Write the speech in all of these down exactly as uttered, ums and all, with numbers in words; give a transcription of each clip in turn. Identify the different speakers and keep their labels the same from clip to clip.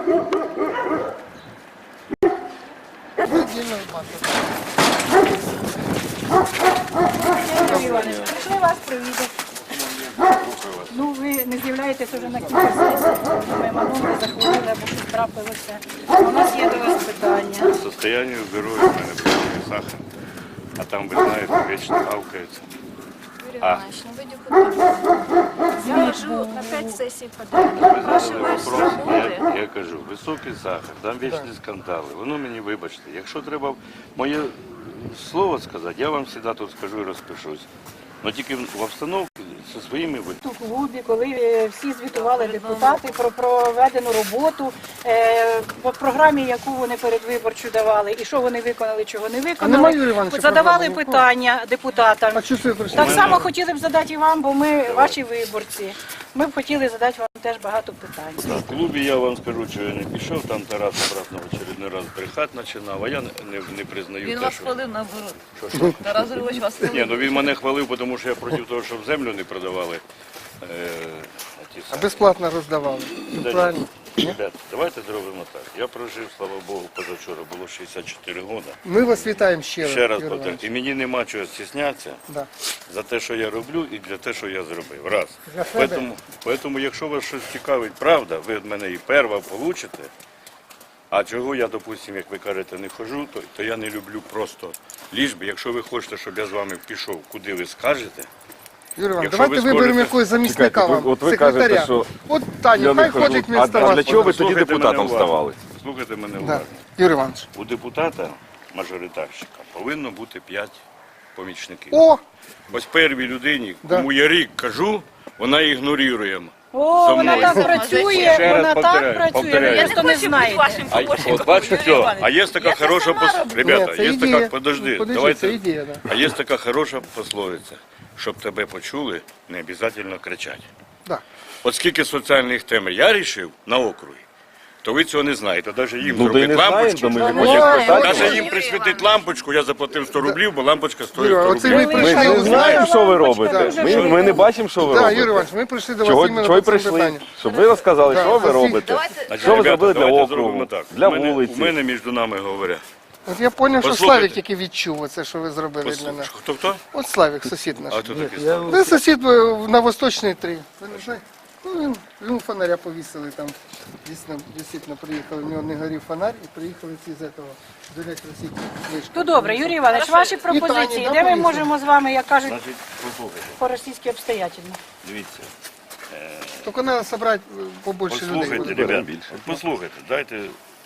Speaker 1: Прийшли вас провідати. Ну, ви не з'являєтесь вже на кілька сесій, ми мамонки захворіли, або щось трапилося. У нас є до вас питання.
Speaker 2: Состояние здоровья у меня высокий сахар, а там, вы знаете, вечно гавкается.
Speaker 3: Юрий Иванович, ну вы депутат. Я живу на пять сессий подряд. Я запрашиваю с работы.
Speaker 2: Я, я кажу, високий сахар, там вічні скандали. Воно мені, вибачте, якщо треба моє слово сказати, я вам завжди тут скажу і розпишусь. Але тільки в обстановці зі своїми ви.
Speaker 1: У клубі, коли е, всі звітували депутати про проведену роботу, е, по програмі, яку вони передвиборчу давали, і що вони виконали, чого не виконали, задавали питання депутатам. Так само хотіли б задати і вам, бо ми ваші виборці. Ми б хотіли задати вам теж багато питань.
Speaker 2: В клубі я вам скажу, що я не пішов, там Тарас обратно в очередний раз брехати починав, а я не, не, не признаю
Speaker 4: Він
Speaker 2: те,
Speaker 4: вас
Speaker 2: що...
Speaker 4: хвалив наоборот.
Speaker 2: Що, що?
Speaker 4: Тарас Григорович вас хвалив.
Speaker 2: Ні, ну він мене хвалив, тому що я проти того, щоб землю не продавали. Е, ті
Speaker 5: А
Speaker 2: самі.
Speaker 5: безплатно роздавали.
Speaker 2: Да,
Speaker 5: Правильно?
Speaker 2: Ребят, давайте зробимо так. Я прожив, слава Богу, позавчора було шістдесят чотири роки.
Speaker 5: Ми вас вітаємо ще раз.
Speaker 2: Ще раз
Speaker 5: Юрій
Speaker 2: повторюю, і мені нема чого стіснятися
Speaker 5: Да.
Speaker 2: за те, що я роблю, і для те, що я зробив. Раз.
Speaker 5: За себе.
Speaker 2: Тому, тому, якщо вас щось цікавить, правда, ви від мене і перва получите. А чого я, допустимо, як ви кажете, не хожу, то, то я не люблю просто ліжби. Якщо ви хочете, щоб я з вами пішов, куди ви скажете,
Speaker 5: Юрій Іванович,
Speaker 2: Якщо
Speaker 5: давайте
Speaker 2: ви
Speaker 5: виберемо
Speaker 2: скажете-
Speaker 5: якогось замісника
Speaker 6: Чекайте,
Speaker 5: вам,
Speaker 6: от ви
Speaker 5: секретаря.
Speaker 6: кажете, що
Speaker 5: От Таня,
Speaker 6: я не
Speaker 5: хай
Speaker 6: хожу.
Speaker 5: ходить
Speaker 6: А-
Speaker 5: вместо
Speaker 6: а
Speaker 5: вас.
Speaker 6: для чого ви тоді
Speaker 2: Слухайте
Speaker 6: депутатом
Speaker 2: мене уважно.
Speaker 6: ставали?
Speaker 2: Слухайте мене
Speaker 5: Да.
Speaker 2: уважно.
Speaker 5: Юрій Іванович.
Speaker 2: У депутата, мажоритарщика, повинно бути п'ять помічників.
Speaker 5: О,
Speaker 2: Ось первій людині,
Speaker 5: Да.
Speaker 2: кому я рік кажу, вона ігнорує.
Speaker 1: О,
Speaker 2: За
Speaker 1: вона
Speaker 2: мною.
Speaker 1: так працює,
Speaker 2: Ще раз
Speaker 1: вона так
Speaker 2: повторяю,
Speaker 1: працює,
Speaker 2: повторяю.
Speaker 1: ви
Speaker 2: Я
Speaker 1: просто
Speaker 4: не
Speaker 1: не
Speaker 4: хочу бути
Speaker 1: знаєте.
Speaker 4: вашим
Speaker 2: А,
Speaker 4: помощником,
Speaker 2: от бачите,
Speaker 4: Юрій
Speaker 2: все.
Speaker 4: Іванович.
Speaker 2: А є така
Speaker 4: Я це
Speaker 2: хороша
Speaker 4: сама
Speaker 2: пос...
Speaker 4: роблю.
Speaker 2: Ребята,
Speaker 5: Ні, це
Speaker 2: є
Speaker 5: ідея.
Speaker 2: така, подожди,
Speaker 5: Подожди,
Speaker 2: давайте.
Speaker 5: це ідея, да.
Speaker 2: А є така хороша пословиця, щоб тебе почули, не обов'язково кричати.
Speaker 5: да.
Speaker 2: От скільки соціальних тем я рішив на округі, то ви цього не знаєте. Навіть їм
Speaker 6: Ну, то й
Speaker 2: зробити
Speaker 6: не знаємо,
Speaker 2: лампочку,
Speaker 6: то ми не
Speaker 5: Ну,
Speaker 6: можемо
Speaker 5: ой,
Speaker 6: спитати.
Speaker 2: навіть
Speaker 5: ой,
Speaker 2: їм присвятити лампочку, я заплатив сто рублів, бо лампочка стоїть
Speaker 5: Юра,
Speaker 2: сто
Speaker 5: оце
Speaker 2: рублів.
Speaker 5: ми
Speaker 6: Ми
Speaker 5: прийшли
Speaker 6: ж не
Speaker 5: до
Speaker 6: знаємо,
Speaker 5: вас.
Speaker 6: що ви
Speaker 1: Лампочка
Speaker 6: робите.
Speaker 1: дуже
Speaker 6: Ми,
Speaker 1: важлива.
Speaker 6: ми не бачимо, що ви
Speaker 5: Так, Юрій
Speaker 6: робите.
Speaker 5: Іванович, ми прийшли до вас
Speaker 6: Чого,
Speaker 5: іменно
Speaker 6: чого й
Speaker 5: по цьому
Speaker 6: прийшли?
Speaker 5: питанню.
Speaker 6: Щоб ви розказали,
Speaker 5: Да,
Speaker 6: що ви
Speaker 5: всі-
Speaker 6: робите.
Speaker 4: Давайте,
Speaker 2: Значить,
Speaker 6: Що ви
Speaker 2: ребята,
Speaker 6: зробили для
Speaker 2: давайте
Speaker 6: округу,
Speaker 2: зробимо так.
Speaker 6: для
Speaker 2: У мене-
Speaker 6: вулиці?
Speaker 2: У мене між нами говорять.
Speaker 5: От я зрозумів, що
Speaker 2: Послухайте.
Speaker 5: Славік тільки відчув оце, що ви зробили для нас.
Speaker 2: Хто хто?
Speaker 5: От Славік, сусід наш.
Speaker 2: А хто такий став?
Speaker 5: Це сусід е, на Восточній три. Ви не знаєте? Ну, він, він фонаря повісили там. Дійсно, дійсно приїхали, в нього не горів фонарь і приїхали ці з этого, з електросіті.
Speaker 1: Ну добре, Юрій Іванович, ваші пропозиції,
Speaker 5: Тані,
Speaker 1: де ми
Speaker 5: да,
Speaker 1: можемо з вами, як кажуть,
Speaker 2: Значить, послухайте,
Speaker 1: по-російськи обстоятельно.
Speaker 2: дивіться.
Speaker 5: Тільки треба зібрати е, побольше людей.
Speaker 2: Послухайте,
Speaker 5: буде.
Speaker 2: ребята, от послухайте, дайте.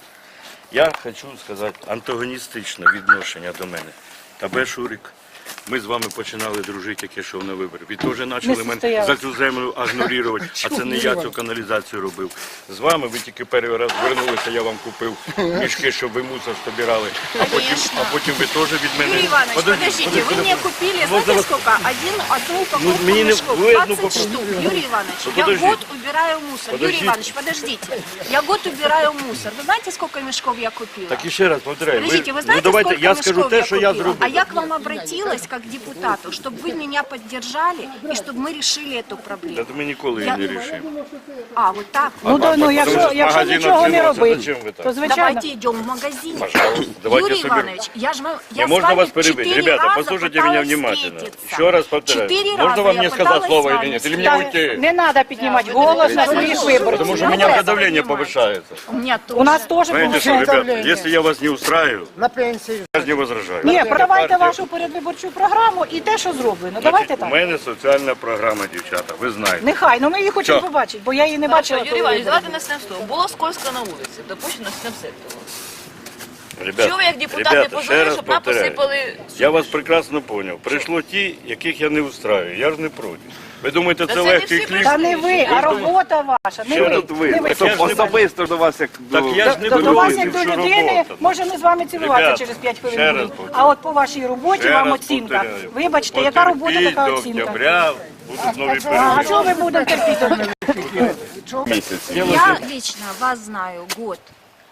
Speaker 2: Я хочу сказати антагоністичне відношення до мене. Тебе, Шурик, ми з вами починали дружити, як я йшов на вибори. Ви теж почали мене
Speaker 1: состоялось.
Speaker 2: за цю землю агнорувати, а це не я цю каналізацію робив. З вами ви тільки перший раз звернулися, я вам купив мішки, щоб ви мусор збирали. А потім,
Speaker 3: Конечно.
Speaker 2: а потім ви теж від мене...
Speaker 3: Юрий Иванович,
Speaker 2: Подожди,
Speaker 3: подождите,
Speaker 2: подожди,
Speaker 3: вы мне
Speaker 2: подожди.
Speaker 3: купили,
Speaker 2: Ну,
Speaker 3: знаете
Speaker 2: за-
Speaker 3: сколько? Один, одну упаковку
Speaker 2: Ну, мне не-
Speaker 3: мешков,
Speaker 2: вы одну
Speaker 3: двадцать
Speaker 2: попробуйте.
Speaker 3: штук. Юрий Иванович,
Speaker 2: Ну,
Speaker 3: я
Speaker 2: подождите.
Speaker 3: год убираю мусор.
Speaker 2: Подождите.
Speaker 3: Юрий Иванович, подождите. Я год убираю мусор. Вы знаете, сколько мешков я купила?
Speaker 2: Так і ще раз повторяю.
Speaker 3: Подождите, вы
Speaker 2: ну
Speaker 3: знаете,
Speaker 2: давайте
Speaker 3: сколько
Speaker 2: я
Speaker 3: мешков
Speaker 2: скажу те, що я
Speaker 3: купила?
Speaker 2: зробив.
Speaker 3: А я к вам обратилась как к депутату, чтобы вы меня поддержали и чтобы мы решили эту проблему.
Speaker 2: Та ми ніколи її
Speaker 3: Я-
Speaker 2: не рішимо.
Speaker 3: А, вот так?
Speaker 1: Ну, да, ну якщо,
Speaker 2: Тому що
Speaker 1: якщо
Speaker 2: магазин
Speaker 1: нічого не
Speaker 2: відкривався,
Speaker 1: робити,
Speaker 2: зачем ви так?
Speaker 1: то звичайно.
Speaker 3: Давайте идем в магазин.
Speaker 2: Пожалуйста, давайте
Speaker 3: Юрий
Speaker 2: соберем.
Speaker 3: Иванович, я же вам-
Speaker 2: Не
Speaker 3: я с
Speaker 2: можно
Speaker 3: вами
Speaker 2: вас перебить.
Speaker 3: четыре
Speaker 2: Ребята,
Speaker 3: раза
Speaker 2: послушайте меня
Speaker 3: пыталась
Speaker 2: внимательно.
Speaker 3: встретиться.
Speaker 2: Еще раз повторяю.
Speaker 3: Четыре
Speaker 2: Можно
Speaker 3: раза
Speaker 2: вам
Speaker 3: я
Speaker 2: мне сказать
Speaker 3: пыталась
Speaker 2: слово
Speaker 3: с
Speaker 2: или
Speaker 3: вами
Speaker 2: нет? Или мне
Speaker 1: Та
Speaker 2: уйти?
Speaker 1: не треба піднімати голос на своїх виборців.
Speaker 2: Потому что у
Speaker 3: Ну,
Speaker 2: меня
Speaker 3: вы
Speaker 2: когда давление
Speaker 3: понимаете.
Speaker 2: повышается.
Speaker 3: У меня тоже.
Speaker 1: У нас теж
Speaker 2: Знаете что,
Speaker 1: повищається.
Speaker 2: ребята, если я вас не устраиваю,
Speaker 5: На пенсію.
Speaker 2: я не возражаю.
Speaker 1: Ні, продавайте
Speaker 2: Партія-
Speaker 1: вашу передвиборчу програму і те, що зроблено. Давайте
Speaker 2: Значить,
Speaker 1: так.
Speaker 2: У мене соціальна програма, дівчата, ви знаєте.
Speaker 1: Нехай, ну ми її хочемо
Speaker 2: Що?
Speaker 1: побачити, бо я її не
Speaker 4: Хорошо,
Speaker 1: бачила.
Speaker 4: Юрій
Speaker 1: коли
Speaker 4: Іванович,
Speaker 1: вибори
Speaker 4: давайте начнемо з того. Було скользко на вулиці, допущено начнемо з цього.
Speaker 2: Ребята,
Speaker 4: Чого ви як депутат не
Speaker 2: ребята, ще
Speaker 4: позвонили,
Speaker 2: раз
Speaker 4: щоб нам
Speaker 2: повторяю.
Speaker 4: посипали...
Speaker 2: Я вас прекрасно понял. Прийшло ті, яких я не устраюю. Я ж не проти. Ви думаєте,
Speaker 4: Та
Speaker 2: це
Speaker 4: це не
Speaker 2: легкий
Speaker 4: всі
Speaker 2: кліп?
Speaker 1: Та не ви, а робота ваша. Не
Speaker 2: Ще
Speaker 1: ви.
Speaker 2: раз
Speaker 6: Тут ви,
Speaker 1: Не ви.
Speaker 2: Так я
Speaker 6: щоб
Speaker 2: ж не-
Speaker 6: особисто до вас як
Speaker 2: Так
Speaker 6: до...
Speaker 2: я ж не
Speaker 1: До, до
Speaker 2: беру
Speaker 1: вас як до
Speaker 2: всю
Speaker 1: людини,
Speaker 2: роботу.
Speaker 1: може ми з вами цілуватися
Speaker 2: Ребята,
Speaker 1: через п'ять
Speaker 2: ще
Speaker 1: хвилин
Speaker 2: раз
Speaker 1: будемо.
Speaker 2: повторюю.
Speaker 1: А от по вашій роботі
Speaker 2: Ще
Speaker 1: вам
Speaker 2: раз
Speaker 1: оцінка.
Speaker 2: повторяю.
Speaker 1: Вибачте, яка робота,
Speaker 2: Потерпіть
Speaker 1: така
Speaker 2: до
Speaker 1: оцінка.
Speaker 2: октября, будуть нові
Speaker 1: А
Speaker 2: перемоги.
Speaker 1: чого ви будете терпіти?
Speaker 6: місяці.
Speaker 3: Я лично вас знаю год.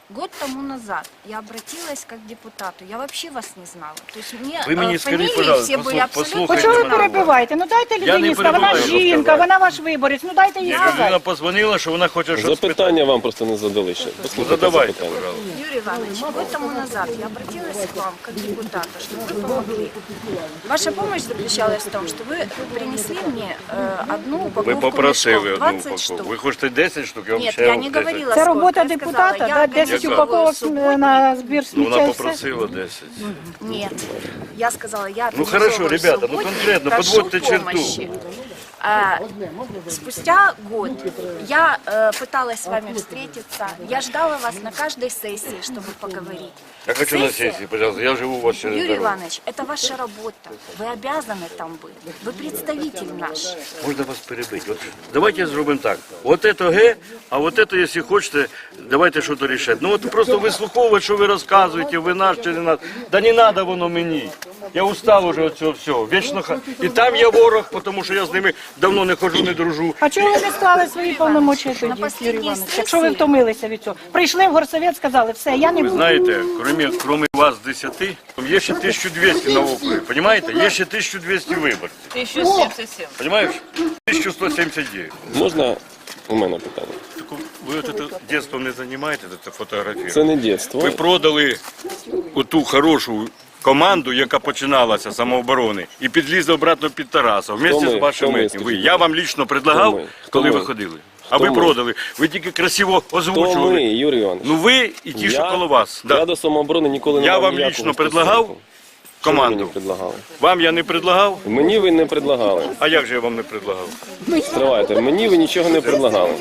Speaker 3: год тому назад я обратилась как к депутату. Я вообще вас не знала. То есть мне
Speaker 2: Вы мне
Speaker 3: э,
Speaker 2: скажите,
Speaker 3: фамилии
Speaker 2: пожалуйста,
Speaker 3: все были
Speaker 2: послух-
Speaker 3: абсолютно...
Speaker 2: послухайте
Speaker 1: Чого ви
Speaker 2: мене.
Speaker 1: перебиваєте? Ну дайте
Speaker 2: Я не
Speaker 1: людині сказати, вона
Speaker 2: перебиваю,
Speaker 1: жінка,
Speaker 2: розказати.
Speaker 1: вона ваш виборець, ну дайте їй
Speaker 2: Ні,
Speaker 1: сказати.
Speaker 2: людина позвонила, що вона хоче щось спитати.
Speaker 6: Запитання вам просто не задали ще. Послухайте
Speaker 2: Задавайте,
Speaker 6: запитання.
Speaker 2: пожалуйста.
Speaker 3: Юрий Иванович, год тому назад я обратилась к вам как к депутату, чтобы вы помогли. Ваша помощь заключалась в том, что вы принесли мне э, одну упаковку
Speaker 2: Ви попросили
Speaker 3: мешков,
Speaker 2: одну
Speaker 3: двадцать штук.
Speaker 2: упаковку. Ви хочете десять штук, я вам
Speaker 3: Нет,
Speaker 2: ще
Speaker 3: я
Speaker 2: вам
Speaker 3: не
Speaker 2: десять.
Speaker 3: говорила,
Speaker 1: Це
Speaker 3: сколько.
Speaker 1: робота
Speaker 3: Я
Speaker 1: депутата,
Speaker 3: сказала,
Speaker 1: да?
Speaker 3: я
Speaker 1: десять
Speaker 3: организовываю
Speaker 1: упаковок
Speaker 3: субботник.
Speaker 1: на збір
Speaker 2: Ну,
Speaker 1: сміття
Speaker 2: вона
Speaker 1: і все.
Speaker 2: попросила десять.
Speaker 3: Нет, я сказала, я
Speaker 2: Ну, хорошо,
Speaker 3: организовываю
Speaker 2: ребята, ну,
Speaker 3: субботник,
Speaker 2: конкретно,
Speaker 3: прошу
Speaker 2: подводьте черту.
Speaker 3: помощи. А, спустя год я э, пыталась с вами встретиться, я ждала вас на каждой сессии, чтобы поговорить.
Speaker 2: Я хочу на
Speaker 3: Сессия-
Speaker 2: сессии, пожалуйста, я живу у вас через
Speaker 3: Юрий
Speaker 2: дорогу.
Speaker 3: Иванович, это ваша работа. Вы обязаны там быть. Вы представитель наш.
Speaker 2: Можна вас перебити. От, давайте зробимо так. От це Г, а от це, якщо хочете, давайте щось рішати. Ну от просто вислуховувати, що ви розказуєте, ви наш чи не наш. Да не треба воно мені. Я устав уже від цього всього. Вічно ха- і там є ворог, тому що я з ними давно не ходжу, не дружу.
Speaker 1: А чого ви не склали свої повномочі тоді, Юрій
Speaker 3: останній
Speaker 1: Іванович?
Speaker 3: сесії-
Speaker 1: Якщо ви втомилися від цього. Прийшли в горсовет, сказали, все, я не
Speaker 2: Ви
Speaker 1: буду.
Speaker 2: знаєте, крім, крім вас десяти, є ще тисяча двісті на округі. Понимаете? Є ще тисяча двісті виборців.
Speaker 4: тисяча сімдесят сім.
Speaker 2: Понимаєш? тисяча сто сімдесят дев'ять.
Speaker 6: Можна у мене питання?
Speaker 2: Так ви от це дитинством не займаєтеся, це фотографію?
Speaker 6: Це не дитинство.
Speaker 2: Ви продали оту хорошу команду, яка починалася з самооборони, і підлізли обратно під Тараса, вместе
Speaker 6: ми?
Speaker 2: з вашим
Speaker 6: Хто ми,
Speaker 2: етнім. Ви,
Speaker 6: скажіть?
Speaker 2: я вам лично предлагав,
Speaker 6: Хто ми? Хто
Speaker 2: коли ви
Speaker 6: ми?
Speaker 2: ходили. А
Speaker 6: Хто
Speaker 2: ви
Speaker 6: ми?
Speaker 2: продали. Ви тільки красиво
Speaker 6: То ми,
Speaker 2: озвучували.
Speaker 6: Юрій Іванович.
Speaker 2: Ну ви і ті, що коло вас.
Speaker 6: Я
Speaker 2: Да.
Speaker 6: до самооборони ніколи не
Speaker 2: Я
Speaker 6: мав
Speaker 2: вам
Speaker 6: ніякого
Speaker 2: лично предлагав
Speaker 6: стосунку. Що ви
Speaker 2: команду.
Speaker 6: мені предлагали?
Speaker 2: Вам я не предлагав,
Speaker 6: Мені ви не предлагали.
Speaker 2: а як же я вам не предлагав?
Speaker 6: Стривайте, мені ви нічого не предлагали.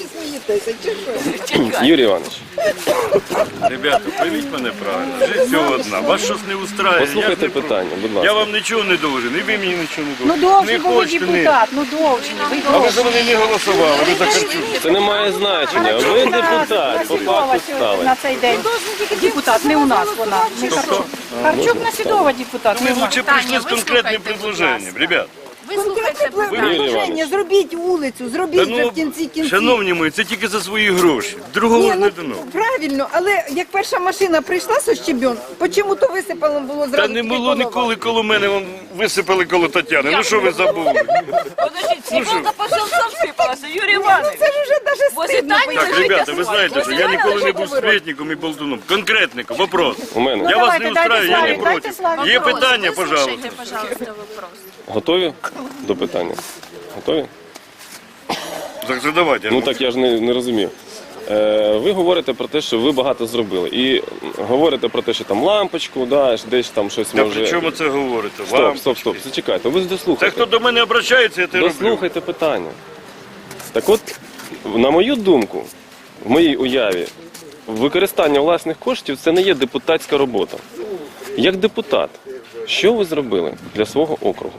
Speaker 6: Юрій Іванович,
Speaker 2: Ребята, пойміть мене правильно. Життя одна. Вас щось не устраює. я ж
Speaker 6: послухайте
Speaker 2: не про-
Speaker 6: питання, будь
Speaker 2: Я
Speaker 6: ласка.
Speaker 2: вам нічого не должен, і ви мені нічого не
Speaker 1: Ну
Speaker 2: должен.
Speaker 1: довжий
Speaker 2: Не
Speaker 1: був ви
Speaker 2: хочете, не.
Speaker 1: депутат, ну довжий, ви
Speaker 2: А ви
Speaker 1: довжий.
Speaker 2: за мене не голосували, ви за Харчук.
Speaker 6: Це не має значення. Ви депутат, по факту стали.
Speaker 1: На цей день. Депутат, не у нас вона, не Харчук. Харчук Насідова депутат,
Speaker 2: Ми
Speaker 1: не в нас.
Speaker 2: лучше
Speaker 3: Таня,
Speaker 2: прийшли з
Speaker 3: ви
Speaker 2: конкретним
Speaker 3: слухайте, будь
Speaker 2: предложенням,
Speaker 3: ласка.
Speaker 2: ребят.
Speaker 3: Ви слухайте
Speaker 6: Юрій
Speaker 3: питання.
Speaker 6: Іванович,
Speaker 7: Зробіть вулицю, зробіть
Speaker 2: Та
Speaker 7: вже
Speaker 2: ну,
Speaker 7: в кінці кінців.
Speaker 2: шановні мої, це тільки за свої гроші. Другого
Speaker 7: Ні,
Speaker 2: ж
Speaker 7: ну,
Speaker 2: не дано.
Speaker 7: правильно, але як перша машина прийшла со щебен, чому то висипало було зразу?
Speaker 2: Та не
Speaker 7: тільки
Speaker 2: було
Speaker 7: голова?
Speaker 2: ніколи коло мене, вон висипали коло Тетяни. Ну що ви забули?
Speaker 4: Подождіть, сім'янка по селцям всипалася, Юрій Іванович.
Speaker 7: Це ж вже навіть
Speaker 4: Возле
Speaker 7: стидно.
Speaker 4: Тані
Speaker 2: Так,
Speaker 4: лежить
Speaker 2: ребята, ви
Speaker 4: асфальт.
Speaker 2: знаєте, що
Speaker 4: Возле
Speaker 2: я
Speaker 4: Тані
Speaker 2: ніколи не
Speaker 4: лежить
Speaker 2: був
Speaker 4: асфальт.
Speaker 2: сплетником і болтуном. Конкретником, вопрос.
Speaker 6: у мене.
Speaker 2: Я вас
Speaker 1: Давайте,
Speaker 2: не
Speaker 1: дайте
Speaker 2: устраю, я не
Speaker 1: Славі,
Speaker 2: проти.
Speaker 1: дайте Славі.
Speaker 2: Є
Speaker 3: Вопрос.
Speaker 2: питання,
Speaker 3: Выслушайте,
Speaker 2: пожалуйста.
Speaker 3: пожалуйста, вопрос.
Speaker 6: Готові до питання? Готові?
Speaker 2: Так задавайте.
Speaker 6: Ну так я ж не, не розумів. Е, ви говорите про те, що ви багато зробили. І говорите про те, що там лампочку, да, десь там щось
Speaker 2: Та
Speaker 6: може.
Speaker 2: при чому це говорите?
Speaker 6: Стоп,
Speaker 2: Вам?
Speaker 6: стоп, стоп, зачекайте. Ви ж
Speaker 2: Це
Speaker 6: дослухайте.
Speaker 2: хто до мене обращається, я те роблю.
Speaker 6: Дослухайте питання. Так от, на мою думку, в моїй уяві, використання власних коштів це не є депутатська робота. Як депутат, що ви зробили для свого округу?